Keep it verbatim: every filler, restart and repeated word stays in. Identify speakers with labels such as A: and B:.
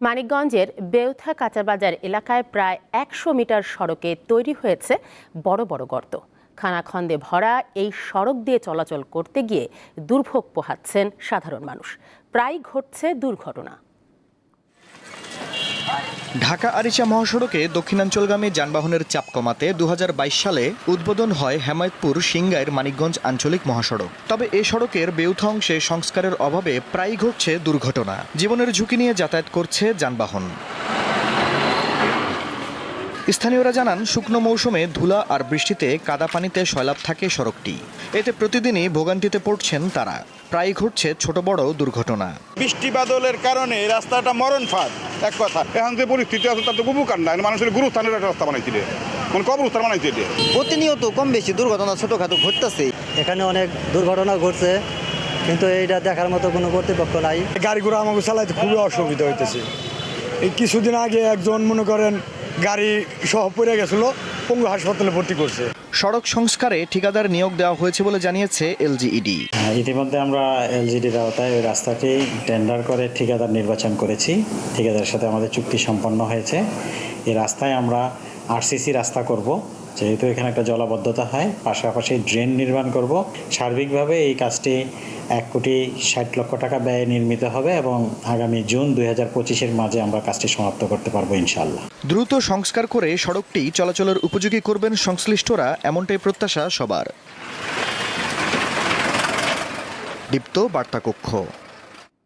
A: মানিকগঞ্জের বেউথা কাঁচাবাজার এলাকায় প্রায় একশো মিটার সড়কে তৈরি হয়েছে বড় বড় গর্ত। খানাখন্দে ভরা এই সড়ক দিয়ে চলাচল করতে গিয়ে দুর্ভোগ পোহাচ্ছেন সাধারণ মানুষ। প্রায় ঘটছে দুর্ঘটনা।
B: ঢাকা আরিচা মহাসড়কে দক্ষিণাঞ্চলগামী যানবাহনের চাপ কমাতে দু হাজার বাইশ সালে উদ্বোধন হয় হেমায়তপুর সিংগাইর মানিকগঞ্জ আঞ্চলিক মহাসড়ক। তবে এ সড়কের বেউথা অংশে সংস্কারের অভাবে প্রায়ই ঘটছে দুর্ঘটনা। জীবনের ঝুঁকি নিয়ে যাতায়াত করছে যানবাহন। স্থানীয়রা জানান, শুকনো মৌসুমে ধুলা আর বৃষ্টিতে কাদা পানিতে সয়লাব থাকে সড়কটি। এতে প্রতিদিনই ভোগান্তিতে পড়ছেন তারা। প্রায় ঘটছে ছোট বড় দুর্ঘটনা।
C: বৃষ্টি বাদলের কারণে রাস্তাটা মরণ ফাঁদ। এক কথা, এখন যে পরিস্থিতি আছে তাতে উপকার নাই, মানুষের গুরুস্থানের একটা রাস্তা বানাইছিল, মানে কবরস্থান বানাইছিল।
D: প্রতিনিয়ত কম বেশি দুর্ঘটনা ছোটখাটো ঘটতেছে। এখানে অনেক দুর্ঘটনা ঘটছে, কিন্তু এইটা দেখার মতো কোনো কর্তৃপক্ষ নাই।
E: গাড়িগুলো আমাকে চালাইতে খুবই অসুবিধা হইতেছে। এই কিছুদিন আগে একজন মনে করেন গাড়ি সহ পড়ে গেছিল, পঙ্গু হাসপাতালে ভর্তি করছে।
B: সড়ক সংস্কারে ঠিকাদার নিয়োগ দেওয়া হয়েছে বলে জানিয়েছে এলজিইডি।
F: ইতিমধ্যে আমরা এলজিইডির আওতায় ওই রাস্তাটি টেন্ডার করে ঠিকাদার নির্বাচন করেছি। ঠিকাদারের সাথে আমাদের চুক্তি সম্পন্ন হয়েছে। এই রাস্তায় আমরা আরসিসি রাস্তা করব, যেহেতু এখানে একটা জলাবদ্ধতা হয়, পাশাপাশি ড্রেন নির্মাণ করব। সার্বিকভাবে এই কাজটি এক কোটি ষাট লক্ষ টাকা ব্যয়ে নির্মিত হবে এবং আগামী জুন দুই হাজার পঁচিশের মাঝে আমরা কাজটি সমাপ্ত করতে পারবো ইনশাআল্লাহ।
B: দ্রুত সংস্কার করে সড়কটি চলাচলের উপযোগী করবেন সংশ্লিষ্টরা, এমনটাই প্রত্যাশা সবার। দীপ্ত বার্তা কক্ষ।